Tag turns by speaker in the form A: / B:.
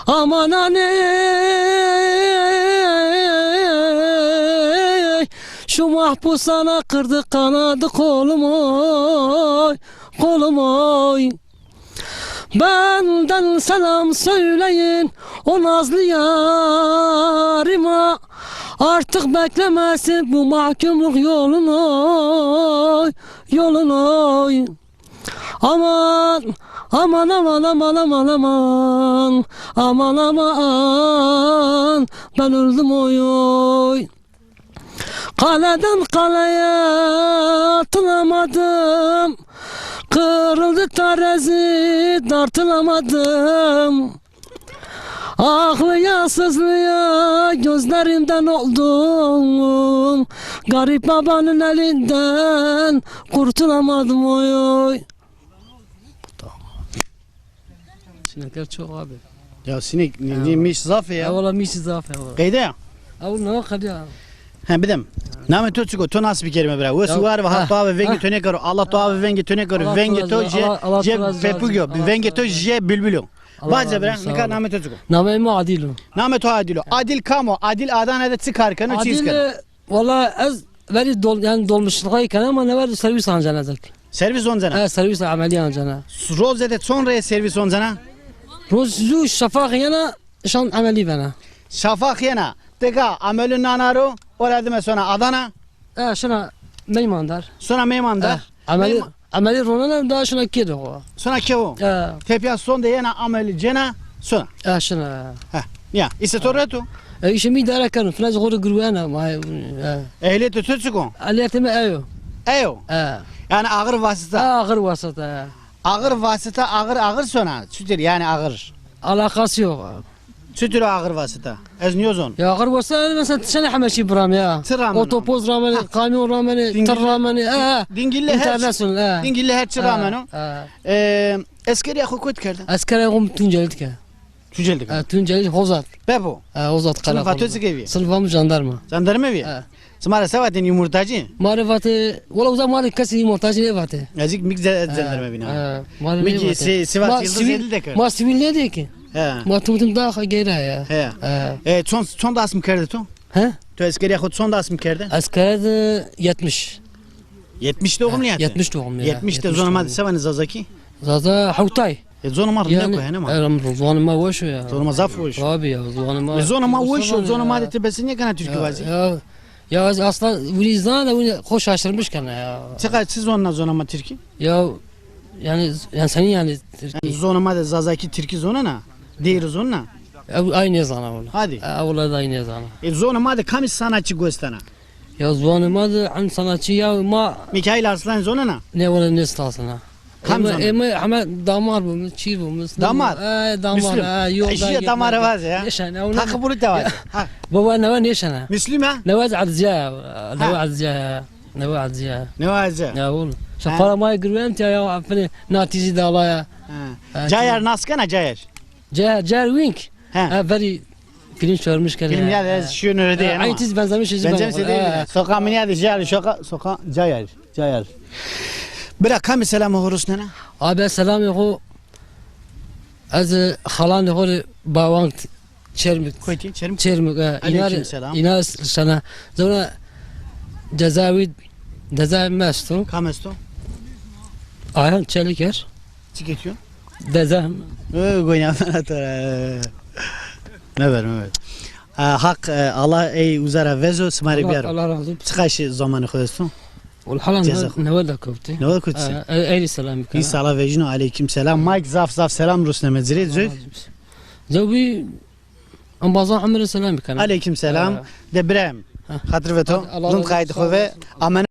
A: Aman aney, şu mahpus sana kırdı kanadı kolum oy, kolum oy. Benden selam söyleyin o nazlı yarıma, artık beklemesin bu mahkumluk yolunu oy, yolunu oy. Aman aman aman aman aman aman aman aman, ben öldüm oy oy. Kaleden kaleye atılamadım, kırıldı terazi tartılamadım. Ağlıya sızlıya gözlerimden oldum, garip babanın elinden kurtulamadım oy oy. Sinekler çok abi.
B: Ya sinek neymiş zafe ya?
A: Valla mişi zaaf ya.
B: Kayda ya?
A: Avul ne vakit ya?
B: Ha bidim. Name to çıko to nasıl bir kelime bira. Ve suvar ve hatta ve vengi töne karo. Allah to ve vengi töne karo. Vengi to je pepugyo. Vengi to je bülbülü. Bazı bira ne kadar name to çıko.
A: Name mi Adil'u?
B: Name to Adilo. Adil kamo. Adil Adana'da çıkar kanı çiz
A: Adil
B: kanı.
A: valla az veri yani dolmuşluğa ama ne var servis ancanacak.
B: Servis onzana.
A: Ha servis ameli ancana.
B: Roze'de sonra servis onzana.
A: Rozu şafak yana şan ameli bana.
B: Şafak yana. Teka amelün nanaro. Orada sonra Adana.
A: Şuna meymandar.
B: Sonra Meymandar.
A: Ameli ronan da şuna kedi o.
B: Sonra kevo. Tepya son de yana ameli cena. Sonra.
A: Şuna.
B: Ha. Ya ise torreto.
A: İşimi idare kanım. Falan zoru gurvana ma.
B: Ehliyeti tütsükon.
A: Aliyetime ayo.
B: Eyo. Yani ağır vasıta.
A: Ağır vasıta.
B: Ağır vasıta ağır sonra. Sütür yani ağır.
A: Alakası yok.
B: Sütür ağır vasıta. Ezniyozon.
A: Ya ağır vasıta mesela sene hameşi bram ya. Otopos rameni, kamyon rameni, tır rameni.
B: Dingille
A: internasyonel.
B: Dingille her çı rameni. Eskeri akı kut kerdi.
A: Askere yom Tuncelit ke.
B: Tüceldik.
A: Tuncelit Hozat.
B: Bebo.
A: Hozat kala.
B: Sınıf atözi gibi.
A: Sınıfım jandarma.
B: Jandarma evi. Smara sevatin yumurtacı.
A: Marifati, valla uzak mari kasi yumurtacı ne vati.
B: Ezik mik jandarma bina.
A: Miki
B: Sivas Yıldız Yedil de kır.
A: Ma sivil ne de ki? Ma tumutum daha gayra ya.
B: Son da asım kerdi to?
A: He?
B: To eskeri akı son da asım kerdi?
A: Askere de 70.
B: 70 doğum ne yaptı?
A: 70 doğum ya.
B: 70 de zonuma sevanı zazaki.
A: Zaza Havtay.
B: Zonuma ne koy hani ma?
A: Zonuma boş ya.
B: Zonuma zaf boş.
A: Abi ya zonuma.
B: Zonuma boş, zonuma de tebesini kana Türkü vazi.
A: Ya aslında Vrizdan da bunu hoş aşırmış kana ya.
B: Çıkar siz onunla zonuma Türkü?
A: Ya yani senin yani
B: zonuma da zazaki Türkü zonuna. Diğer zonuna.
A: Aynı zana ola.
B: Hadi.
A: Ola da aynı zana.
B: Zonuma da kamis sanatçı göstana.
A: Ya zonuma da an sanatçı ya ma
B: Mikail Arslan zonuna.
A: ne ola ne stasına. Ama damar bu, çiğ bu.
B: Damar.
A: Damar.
B: Yolda. İşte damar var ya. Takı bulu da var.
A: Baba ne var ne şana?
B: Müslüm ha?
A: Ne var azca. Ne var azca. Ne var azca.
B: Ne var azca?
A: Ya oğlum. Şafara may gırvem ya afne natizi da ala ya.
B: Cayar naskana Cayar.
A: Cayar Wink. Very film çağırmış kere.
B: Film ya şunu öyle değil ama.
A: Aynı tiz benzemiş izin.
B: Sokağa mı ya Cayar sokağa Cayar. Bırak kam selam horus nene.
A: Abi selam yok. Az halan yok bawang çermik.
B: Koyti çermik.
A: Çermik. İnar sana. Sonra Cezavi mesto.
B: Kamesto.
A: Ayhan Çeliker.
B: Çıkıyor.
A: Dezem.
B: Goynamana ne ver. Hak Allah ey uzara vezo smari biyaro.
A: Allah razı olsun.
B: Çıkışı zamanı koyuyorsun.
A: والحالة نوال كوبتي.
B: نوال كوبتي.
A: أي سلام.
B: إي صلاة وجنو عليكم سلام. مايك زاف سلام روسنا مزريد زوج.
A: زوبي أم بازا عمر سلام كان.
B: عليكم سلام. دبرام. خاطر فتو. زند قايد خوه. أمانة.